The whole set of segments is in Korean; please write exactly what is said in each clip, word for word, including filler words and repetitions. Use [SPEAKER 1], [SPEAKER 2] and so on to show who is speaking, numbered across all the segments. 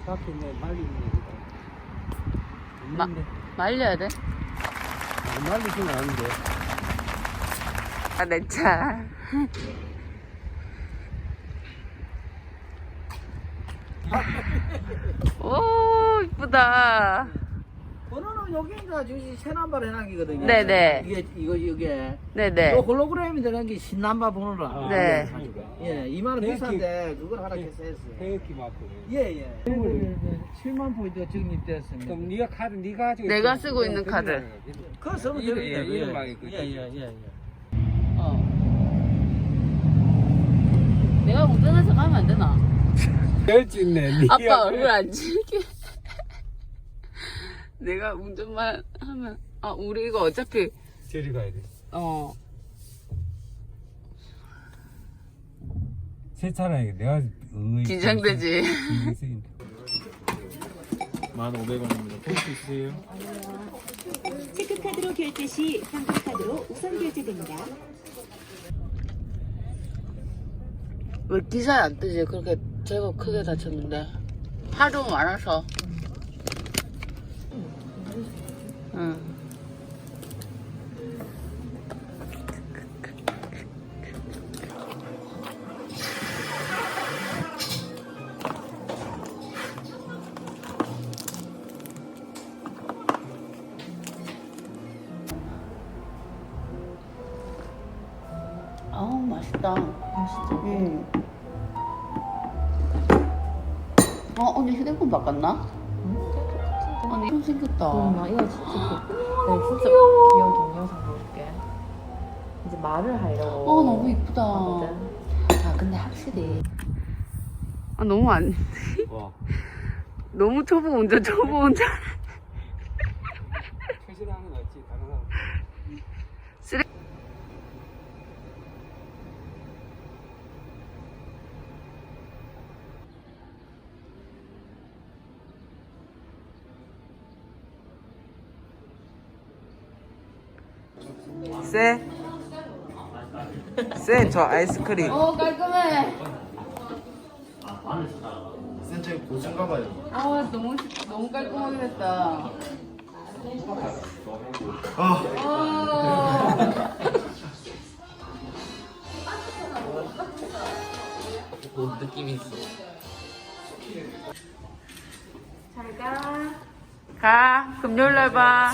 [SPEAKER 1] 밖에 내 말리는 얘기다.
[SPEAKER 2] 마, 말려야 돼?
[SPEAKER 1] 아, 말리지는 않은데.
[SPEAKER 2] 아, 내 차. 오, 이쁘다.
[SPEAKER 3] 번호는 여기가 저기 새 남발 해놨거든요.
[SPEAKER 2] 네네.
[SPEAKER 3] 이게 이거 이게.
[SPEAKER 2] 네네.
[SPEAKER 3] 또 홀로그램이 들어간 게 신남바 번호라.
[SPEAKER 1] 아,
[SPEAKER 2] 네.
[SPEAKER 3] 예, 이만 원
[SPEAKER 1] 네,
[SPEAKER 3] 비싼데 그걸 하라 해서 했어요.
[SPEAKER 1] 해역기 맞고.
[SPEAKER 3] 예, 예. 칠만 포인트 적립됐습니다.
[SPEAKER 1] 그럼 네가 카드 네가 가지고.
[SPEAKER 2] 내가
[SPEAKER 1] 있어.
[SPEAKER 2] 쓰고 있는
[SPEAKER 1] 그럼
[SPEAKER 2] 카드.
[SPEAKER 3] 그거 쓰면
[SPEAKER 1] 이름,
[SPEAKER 3] 됩니다.
[SPEAKER 1] 예, 이름만 있고.
[SPEAKER 3] 예, 예, 예, 예.
[SPEAKER 2] 어. 내가 운전해서 가면 안 되나?
[SPEAKER 1] 열짓네.
[SPEAKER 2] 아빠 얼굴 안 찍게. 내가 운전만 하면, 아, 우리 이거 어차피,
[SPEAKER 1] 저리 가야 돼.
[SPEAKER 2] 어,
[SPEAKER 1] 새 차라니 내가 응의.
[SPEAKER 2] 긴장되지.
[SPEAKER 1] 만 오백 원입니다. 볼수 있어요?
[SPEAKER 4] 체크카드로 결제 시 현금카드로 우선 결제됩니다.
[SPEAKER 2] 왜 기사에 안 뜨지? 그렇게 제법 크게 다쳤는데. 하도 많아서. 응. 아우, 맛있다. 맛있죠? 응. 어, 언니 휴대폰 바꿨나? 언니 좀 생겼다.
[SPEAKER 5] 나 이거 진짜 그, 네, 진짜 귀여운 동영상 볼게. 이제 말을 하려고.
[SPEAKER 2] 어, 너무 이쁘다.
[SPEAKER 5] 하거든.
[SPEAKER 2] 아, 근데 확실히. 아, 너무 안,
[SPEAKER 1] 와.
[SPEAKER 2] 너무 초보 운전, 초보 운전.
[SPEAKER 1] 최신하는 거 낫지 다른 사람.
[SPEAKER 2] 쓰레...
[SPEAKER 3] 쎄? 쎄, 저 아이스크림.
[SPEAKER 2] 어, 깔끔해.
[SPEAKER 6] 센터에 고수인가 봐요.
[SPEAKER 2] 아, 너무, 너무 깔끔하게 됐다.
[SPEAKER 6] 아,
[SPEAKER 2] 뭔 느낌이 있어. 잘 가. 가. 금요일 날 봐.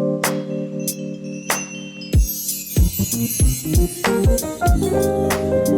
[SPEAKER 4] Thank you.